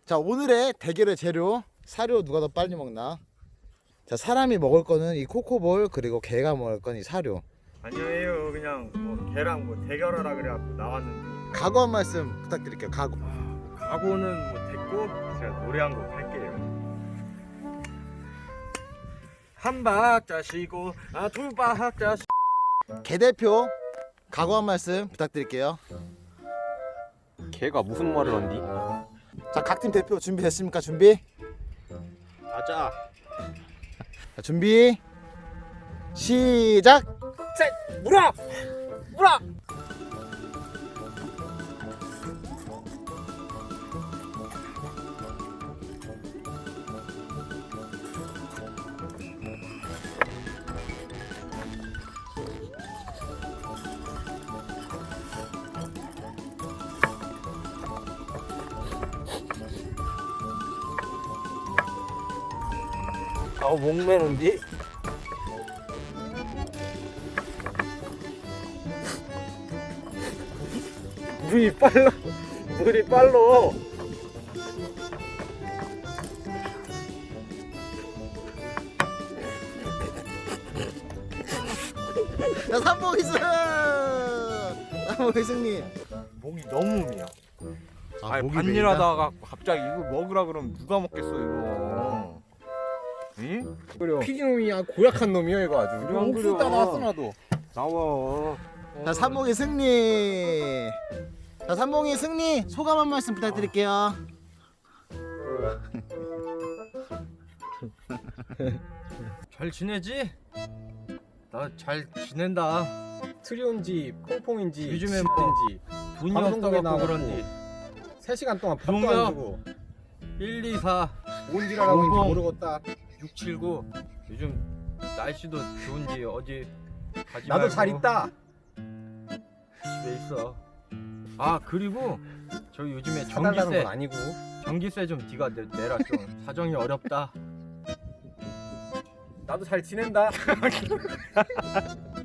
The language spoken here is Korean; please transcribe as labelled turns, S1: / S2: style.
S1: 자, 오늘의 대결의 재료, 사료 누가 더 빨리 먹나? 자, 사람이 먹을 거는 이 코코볼, 그리고 개가 먹을 건 이 사료.
S2: 아니에요. 그냥 뭐 걔랑 뭐 대결하라 그래갖고 나왔는데.
S1: 각오 한 말씀 부탁드릴게요. 각오.
S2: 각오는 뭐 됐고 제가 노래 한 곡 할게요. 한 박자 쉬고 두 박자 쉬...
S1: 개 대표 각오 한 말씀 부탁드릴게요.
S3: 걔가 무슨 말을 한디?
S1: 자, 각 팀 대표 준비됐습니까? 준비?
S3: 가자.
S1: 자, 준비 시작.
S3: 셋, 물어! 물어! 아우 목매는디? 물이 빨라. 물이 빨라.
S1: 자, 삼봉이 승! 삼봉이 승리.
S2: 목이 너무 음이야.
S1: 아,
S2: 아니
S1: 목이
S2: 반일하다가 갑자기 이거 먹으라 그러면 누가 먹겠어 이거. 응?
S3: 그래.
S2: 피디놈이야 고약한 놈이야 이거 아주.
S3: 그래, 안 그래.
S2: 옥수수 나왔어 나도.
S3: 나와.
S1: 자, 삼봉이 승리. 자, 삼봉이 승리. 소감 한 말씀 부탁드릴게요.
S2: 잘 지내지? 나 잘 지낸다.
S3: 트리온지 퐁퐁인지
S2: 요즘에
S3: 인지
S2: 돈이
S3: 방송국에
S2: 없어갖고
S3: 나가고
S2: 그런지
S3: 3시간 동안 밥도
S2: 용이야.
S3: 안 주고
S2: 1, 2, 4,
S3: 뭔지라고
S2: 용공.
S3: 모르겠다.
S2: 6, 7, 9 요즘 날씨도 좋은지 어디 가지
S3: 나도
S2: 말고
S3: 잘 있다.
S2: 집에 있어. 아 그리고 저 요즘에
S3: 사달라는
S2: 전기세
S3: 건 아니고.
S2: 전기세 좀 네가 내라 좀. 사정이 어렵다.
S3: 나도 잘 지낸다.